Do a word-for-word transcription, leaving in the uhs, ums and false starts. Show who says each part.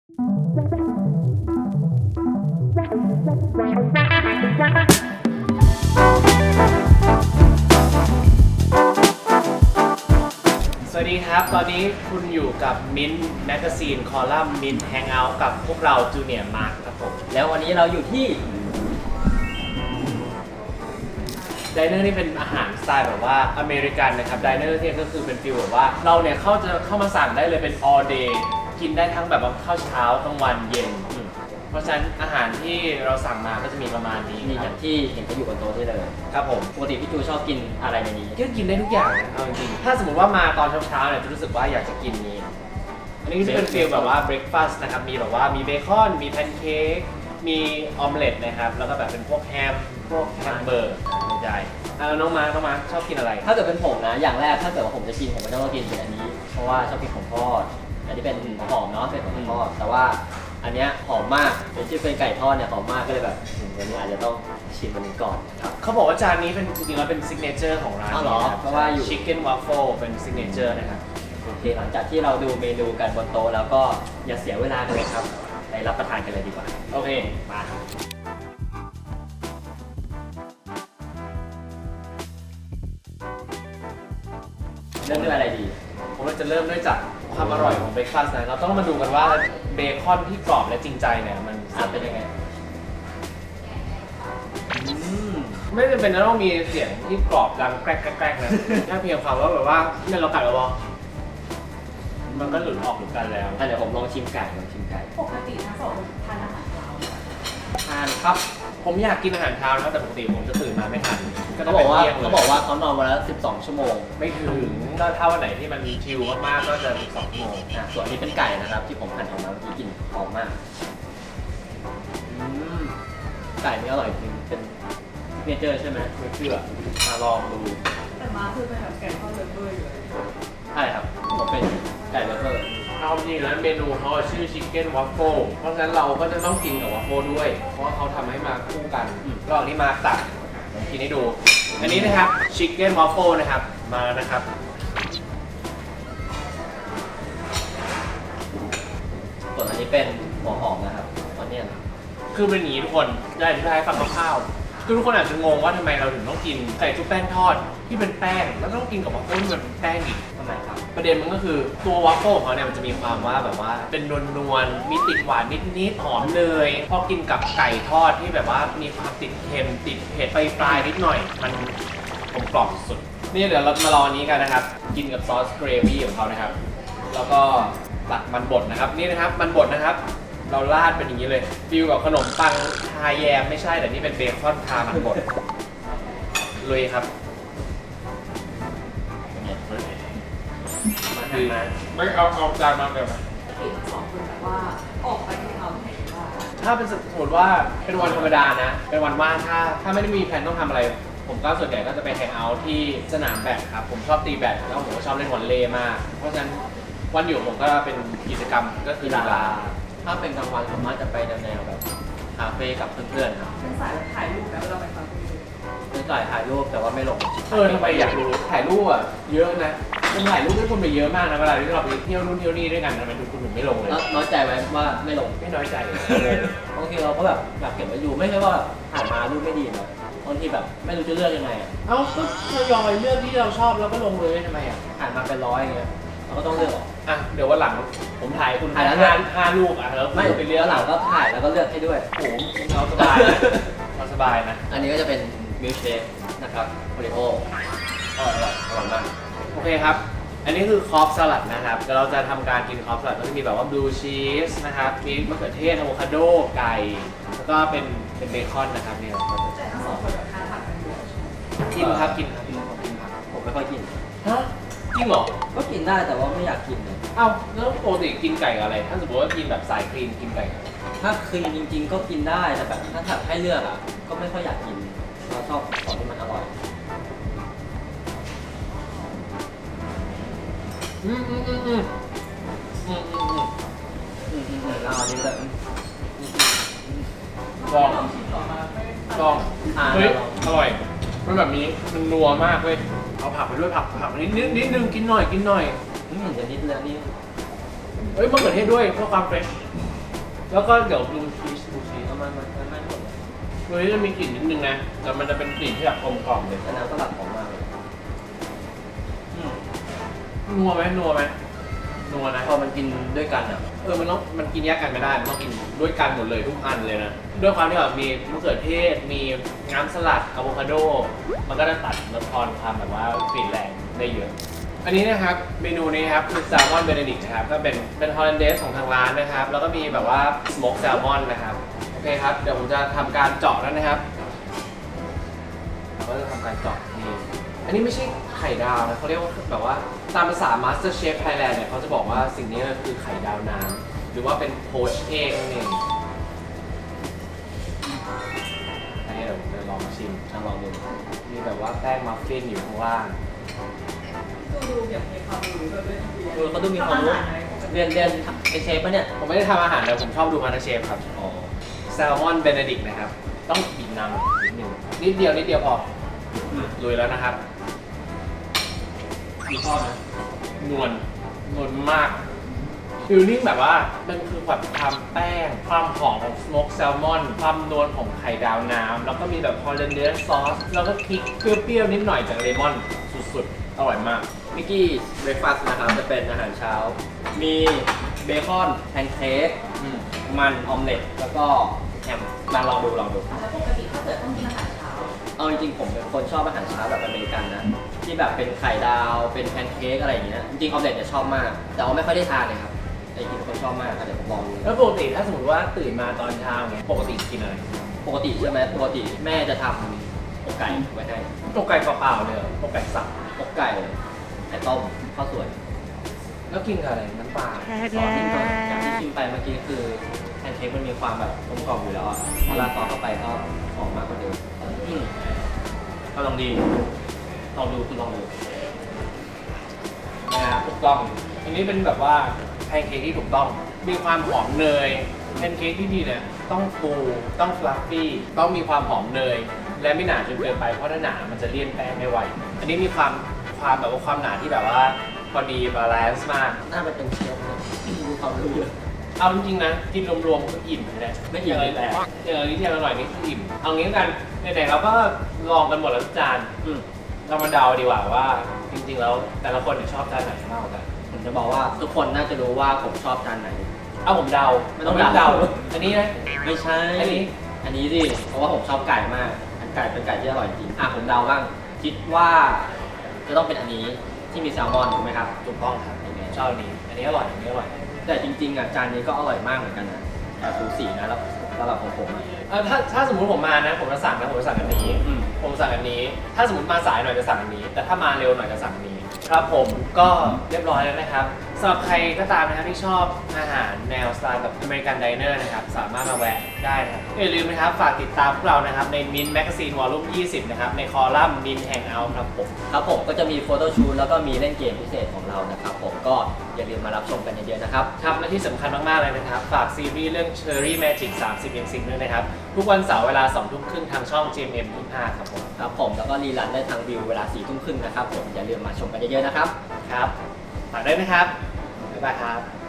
Speaker 1: สวัสดีครับตอนนี้คุณอยู่กับมิ้นท์แมกกาซีนคอลัมน์มิ้นท์แฮงเอาท์กับพวกเราจูเนียร์มาร์คครับผม
Speaker 2: แล้ววันนี้เราอยู่ที่
Speaker 1: ไดเนอร์นี่เป็นอาหารสไตล์แบบว่าอเมริกันนะครับไดเนอร์เนี่ยก็คือเป็นฟีลแบบว่าเราเนี่ยเข้าจะเข้ามาสั่งได้เลยเป็น all day กินได้ทั้งแบบว่าข้าวเช้ากลางวันเย็นเพราะฉะนั้นอาหารที่เราสั่งมาก็จะมีประมาณนี้
Speaker 2: มีอย่างที่เห็นเขาอยู่บนโต๊ะที่เลย
Speaker 1: ครับผม
Speaker 2: ปกติพี่จูชอบกินอะไรในนี้
Speaker 1: ก็กินได้ทุกอย่างนะเอาจริงๆถ้าสมมติว่ามาตอนเช้าๆเนี่ยจะรู้สึกว่าอยากจะกินนี้อันนี้ก็จะเป็นฟีลแบบว่าเบรคฟาสต์นะครับมีแบบว่ามีเบคอนมีแพนเค้กมีออมเล็ตนะครับแล้วก็แบบเป็นพวกแฮมพวกแฮมเบอร์ใช่แล้วน้องมาร์คน้องมาร์คชอบกินอะไร
Speaker 2: ถ้าเกิดเป็นผมนะอย่างแรกถ้าเกิดว่าผมจะกินผมก็ต้องกินเป็นอันนี้เพราะว่าชอบกินของทอดอันนี้เป็นหอมเนาะเป็นของทอดแต่ว่าอันเนี้ยหอมมากเป็นชื่อเป็นไก่ทอดเนี่ยหอมมากก็เลยแบบวันนี้อาจจะต้องชิมมันก่อน
Speaker 1: ครับเขาบอกว่าจานนี้เป็นจริงๆแล้วเป็นซิกเนเจอร์ของร้าน
Speaker 2: อ๋อเหรอเพราะว่าอยู่
Speaker 1: ชิคเก้นวัฟเฟิลเป็นซิกเนเจอร์นะครับ
Speaker 2: โอเคหลังจากที่เราดูเมนูกันบนโต๊ะแล้วก็อย่าเสียเวลากันเลยครับไปรับประทานกันเลยดีกว่า
Speaker 1: โอเค
Speaker 2: มาเริ่มด้วยอะไรดี
Speaker 1: ผมว่าจะเริ่มด้วยจากความอร่อยของเบรคฟาสต์นะเราต้องมาดูกันว่าเบคอนที่กรอบและจริงใจเนี่ยมัน
Speaker 2: เป็นยังไง
Speaker 1: ไม่จำเป็นจะต้องมีเสียงที่กรอบดังแกรกแกรกนะแค่เพียงความว่าแบบว่าเนี่ยเรากัดแล้วมันก็หลุดออกหลุดกันแล้ว
Speaker 2: เดี๋ยวผมลองชิมไก่ลองชิมไก่
Speaker 3: ปกติทั้งสองทานอาหารเช้า
Speaker 1: ทานครับผมอยากกินอาหารเช้านะแต่ปกติผมจะตื่นมาไม่ทัน
Speaker 2: เขาบอกว่าเขาบอกว่าเขานอนวันละสิบสองชั่วโมง
Speaker 1: ไม่ถึงก็ถ้าวันไหนที่มันชิลมากๆก็จะสิบสองชั่วโมง
Speaker 2: อ่ะส่วนนี้เป็นไก่นะครับที่ผมหั่นออกมาเมื่อกี้กลิ่นหอมมากไก่นี่อร่อยจริงเป็นเนเจอร์ใช่ไหม
Speaker 1: ไม่เชื่อมาลองดู
Speaker 3: แต่มาคือเป็นแบบไก่ทอดเลเวอร์อยู่เลย
Speaker 2: ใช่ครับผมเป็นไก่เลเวอร์
Speaker 1: เอาจริงแล้วเมนูเขาชื่อชิคเก้นวัฟเฟิลเพราะฉะนั้นเราก็จะต้องกินกับวัฟเฟิลด้วยเพราะว่าเขาทำให้มาคู่กันก็อันนี้มาตักผมกินให้ดูอันนี้นะครับชิคเก้นวัฟเฟิลนะครับมาแล้วนะครับ
Speaker 2: ส่วนอันนี้เป็นหัวหอมนะครับตอนนี้
Speaker 1: คือเป็นอย่างนี้ทุกคนได้อธิบายให้ฟังคร่าวๆคือทุกคนอาจจะงงว่าทำไมเราถึงต้องกินไก่ชุบแป้งทอดที่เป็นแป้งแล้วต้องกินกับวัฟเฟิลที่มันเป็นแป้งอีก
Speaker 2: ทำไมครับ
Speaker 1: ประเด็นมันก็คือตัววัฟเฟิลของเขาเนี่ยมันจะมีความว่าแบบว่าเป็นนวลๆมีติดหวานนิดๆหอมเลยพอกินกับไก่ทอดที่แบบว่ามีความติดเค็มติดเผ็ดไปปลายนิดหน่อยมันกลมกล่อมสุดนี่เดี๋ยวเรามาลองนี้กันนะครับกินกับซอสเกรวี่ของเขานะครับแล้วก็ตักมันบดนะครับนี่นะครับมันบดนะครับเราราดเป็นอย่างนี้เลยฟิลกับขนมปังทาแยมไม่ใช่แต่นี่เป็นเบคอนทามันบดลุยครับ
Speaker 3: มา
Speaker 1: คือไม่เอาเอาจานมาเดี๋ยวมา
Speaker 3: ที่ทั้งสองคนแบบว่าออกไปที่เขาเห็นว่า
Speaker 1: ถ้าเป็นสมมติว่าเป็นวันธรรมดานะเป็นวันว่างถ้าถ้าไม่ได้มีแผนต้องทำอะไรผมก็ส่วนใหญ่ก็จะไปแฮงเอาท์ที่สนามแบดครับผมชอบตีแบดแล้วผมก็ชอบเล่นวอลเลย์มากเพราะฉะนั้นวันอยู่ผมก็เป็นกิจกรรมก็คือกีฬา
Speaker 2: ถ้าเป็นกลางวันผมอาจจะไปแนวแบบคาเฟ่กับเพื่อนๆครับ
Speaker 3: เป็นสายถ่ายรูปแล้วเราไปคาเฟ่
Speaker 2: เป็นสายถ่ายรูปแต่ว่าไม่ลง
Speaker 1: เออทำไมอยากรู้ถ่ายรูปอ่ะเยอะนะคุณถ่ายรูปให้คุณไปเยอะมากนะเวลาที่เราไปเที่ยวนู่นเที่ยวนี่ด้วยกันทำไมดูคุณถึงไม่ลงเลย
Speaker 2: น้อยใจไหมว่าไม่ลง
Speaker 1: ไม่น้อยใจ
Speaker 2: บางทีเราก็แบบอยากเก็บไว้อยู่ไม่ใช่ว่าถ่ายมารูปไม่ดีนะบางทีแบบไม่รู้จะเลือกยังไงอ่ะ
Speaker 1: เอ้าก็ทยอยเลือกที่เราชอบแล้วก็ลงเลยทำไมอ่ะ
Speaker 2: ถ่ายมาเป็นร้อยอย่างเงี้ยเราก็ต้องเลือก
Speaker 1: อ่ะเดี๋ยววันหลังผมถ่ายคุณถ่ายแล้วงานห้าลูกอ่ะแล้ว
Speaker 2: ไม่ไปเลือกหลังก็ถ่ายแล้วก็เลือกให้ด้วย
Speaker 1: โอ้โหเราสบายเราสบายนะ
Speaker 2: อันนี้ก็จะเป็นมิลค์เชคนะครับโอริโอ
Speaker 1: อร่อยอร่อยมากโอเคครับอันนี้คือคอฟสลัดนะครับเราจะทำการกินคอฟสลัดก็จะมีแบบว่าบลูชีสนะครับมีมะเขือเทศอะโวคาโดไก่แล้วก็เป็นเป็นเบคอนนะครับเนี่ย
Speaker 3: แต่ทั้งสองคนแบบทานผักกันอยู่
Speaker 1: กินครับกินครับผมกินผัก
Speaker 2: ผมไม่ค่อยกิน
Speaker 1: ฮะจริงเหรอ
Speaker 2: ก็กินได้แต่ว่าไม่อยากกินเลย
Speaker 1: เอ้าแล้วปกติกินไก่กับอะไรถ้าสมมติว่ากินแบบสายคลีนกินไก่
Speaker 2: ถ้าคลีนจริงๆก็กินได้แต่แบบถ้าถัดให้เลือกอ่ะก็ไม่ค่อยอยากกินเราชอบของที่มันอร่อย
Speaker 1: อืมอืมอืมอืมอืมอืมอืม
Speaker 2: อืมอืมแล้วอันนี้แบบ
Speaker 1: ลองลองเฮ้ยอร่อยมันแบบนี้มันนัวมากเว้ยเอาผักไปด้วยผักผักนิดนิดนิดนึงกินหน่อยกินหน่อย
Speaker 2: อืมเดี๋ยวนิดแล้วนี่
Speaker 1: เฮ้ยมะเขือเทศด้วยเพื่อความเฟรชแล้วก็เดี๋ยวดูชีสดูชีสเอามันมันมันมันหมดเลยตัวนี้จะมีกลิ่นนิดนึงนะแต่มันจะเป็นกลิ่นที่แบบกลมกล่อมเลย
Speaker 2: แต่น้ำสลัดหอมมากเลย
Speaker 1: อืมนัวไหมนัวไหมนัวนะ
Speaker 2: พอมันกินด้วยกันอ่ะ
Speaker 1: เออมันต้องมันกินแยกกันไม่ได้มันต้องกินด้วยกันหมดเลยทุกอันเลยนะด้วยความที่แบบมีมะเขือเทศมีน้ำสลัดอะโวคาโดมันก็จะตัดลดทอนความแบบว่ากลิ่นแรงได้เยอะ อันนี้นะครับเมนูนี้ครับคือแซลมอนเบเนดิกนะครับก็เป็นเป็นฮอลแลนเดสของทางร้านนะครับแล้วก็มีแบบว่าสโมกแซลมอนนะครับโอเคครับเดี๋ยวผมจะทำการเจาะแล้วนะครับเราก็จะทำการเจาะนี่อันนี้ไม่ใช่ไข่ดาวนะเขาเรียกว่าแบบว่าตามภาษา Master Chef Thailand เนี่ยเขาจะบอกว่าสิ่งนี้คือไข่ดาวน้ำหรือว่าเป็นโพชเองนั่นเองอันนี้เดี๋ยวผมจะลองชิม
Speaker 2: ลองดู
Speaker 1: มีแบบว่าแป้งมัฟฟินอยู่ข้างล่าง
Speaker 3: ดูดูแบบมีความรู้แบบด้วย
Speaker 2: เออเขาดูมีความรู้เรียนเรียนเป็นเชฟปะเนี่ย
Speaker 1: ผมไม่ได้ทำอาหารแต่ผมชอบดูมาสเตอร์เชฟครับ
Speaker 2: อ๋อ
Speaker 1: แซลมอนเบเนดิกนะครับ ต้องบีบน้ำนิดนึงนิดเดียวนิดเดียวพออืมลุยแล้วนะครับมีทอดนะนวลนวลมากฟิลลิ่งแบบว่ามันคือแบบความแป้ง ความหอมของสโมกแซลมอนความนวลของไข่ดาวน้ำแล้วก็มีแบบฮอลแลนเดสซอสแล้วก็พริกเปรี้ยวๆนิดหน่อยจากเลมอนสุดๆอร่อยมาก
Speaker 2: มิกกี้เบรคฟาสต์นะครับจะเป็นอาหารเช้า มีเบคอนแพนเค้ก
Speaker 1: อืม
Speaker 2: มันออมเล็ตแล้วก็แฮมมาลองดูลองดู
Speaker 3: แล้วปกติถ้าเกิดต้องกินอาหารเช้า
Speaker 2: เอาจริงๆผมเป็นคนชอบอาหารเช้าแบบอเมริกันนะที่แบบเป็นไข่ดาวเป็นแพนเค้กอะไรอย่างเงี้ยจริงๆออมเล็ตเนี่ยชอบมาก แต่ว่าไม่ค่อยได้ทานเลยครับแต่จริงๆเป็นคนชอบมากอ่ะเดี๋ยวผมลองดู
Speaker 1: แล้วปกติถ้าสมมติว่าตื่นมาตอนเช้าเนี่ยปกติกินอะไร
Speaker 2: ปกติใช่ไหมปกติแม่จะทำอกไก่ไว้ให้
Speaker 1: อกไก่เปล่าๆเลยเหรออกไก่สับอก
Speaker 2: ไก่ไข่ต้มข้าวสวย
Speaker 1: แล้วกินกับอะไรน้ำปลา
Speaker 2: ซอสนิดหน่อยอย่างที่ชิมไปเมื่อกี้คือแพนเค้กมันมีความแบบกลมกล่อมอยู่แล้วอ่ะพอราดซอสเข้าไปก็หอมมากกว่าเดิมอืมก็ลองดีลองดูคุณลองดู
Speaker 1: นะครับถูกต้อง อันนี้เป็นแบบว่าแพนเค้กที่ถูกต้อง มีความหอมเนยแพนเค้กที่ดีเนี่ยต้องฟูต้องฟลัฟฟี่ต้องมีความหอมเนย และไม่หนาจนเกินไปเพราะถ้าหนามันจะเลี่ยนแป้งไม่ไหวอันนี้มีความความแบบว่าความหนาที่แบบว่าพอดีบาลานซ์มาก
Speaker 2: น่าจะเป็นเชฟนะมีความรู้เยอะ
Speaker 1: เอาจริงๆนะกินรวมๆก็อิ่มเลยนะ
Speaker 2: ไม่อิ่ม
Speaker 1: เลยแหละอย่างอันนี้ที่อร่อยนี่คืออิ่มเอางี้กันไหนๆเราก็ลองกันหมดแล้วทุกจาน
Speaker 2: อืม
Speaker 1: เรามาเดาดีกว่าว่าจริงๆแล้วแต่ละคนเนี่ยชอบจานไหนมากกว่ากัน
Speaker 2: ผมจะบอกว่าทุกคนน่าจะรู้ว่าผมชอบจานไหน
Speaker 1: เอาผมเดา
Speaker 2: ไม่ต้องเดา
Speaker 1: อันนี้นะ
Speaker 2: ไม่ใช่
Speaker 1: อันนี้
Speaker 2: อันนี้ดิ เพราะว่าผมชอบไก่มาก อันไก่เป็นไก่ที่อร่อยจริง อ่ะผมเดาบ้าง คิดว่าจะต้องเป็นอันนี้ที่มีแซลมอนถูกไหมครับ
Speaker 1: ถูกต้องครับชอบอันนี้ อันนี้อร่อยอันนี้อร่อย
Speaker 2: แต่จริงๆอ่ะจานนี้ก็อร่อยมากเหมือนกันนะแต่สูสีนะแล้วสำหรับของผมอ่ะ
Speaker 1: เออถ้าถ้าสมมติผมมานะ ผมจะสั่งนะผมจะสั่งอันนี้
Speaker 2: อืม
Speaker 1: ผมสั่งอันนี้ ถ้าสมมติมาสายหน่อยจะสั่งอันนี้ แต่ถ้ามาเร็วหน่อยจะสั่งอันนี้ ครับผมก็เรียบร้อยแล้วนะครับสำหรับใครก็ตามนะครับที่ชอบอาหารแนวสไตล์แบบอเมริกันไดเนอร์นะครับสามารถมาแวะได้นะครับอย่าลืมนะครับฝากติดตามพวกเรานะครับในมินแมกซีนวอลลุ่มยี่สิบนะครับในคอลัมน์มินแฮงเอาท์ครับผม
Speaker 2: ครับผมก็จะมีโฟโต้ชูตแล้วก็มีเล่นเกมพิเศษของเรานะครับผมก็อย่าลืมมารับชมกันเยอะๆนะครับ
Speaker 1: ครับและที่สำคัญมาก ๆ เลยนะครับ ฝากซีรีส์เรื่อง Cherry Magic สามสิบ ยังซิงด้วยนะครับ ทุกวันเสาร์เวลาสองทุ่มครึ่งทางช่อง จี เอ็ม เอ็ม ยี่สิบห้าครับผม
Speaker 2: ครับผมแล้วก็รีลันได้ทางวิวเวลาสี่ทุ่มครึ่งนะครับผมอย่าลืมมาชมกันเยอะๆนะครับ
Speaker 1: ครับฝากด้วยนะครับ บ๊ายบายครับ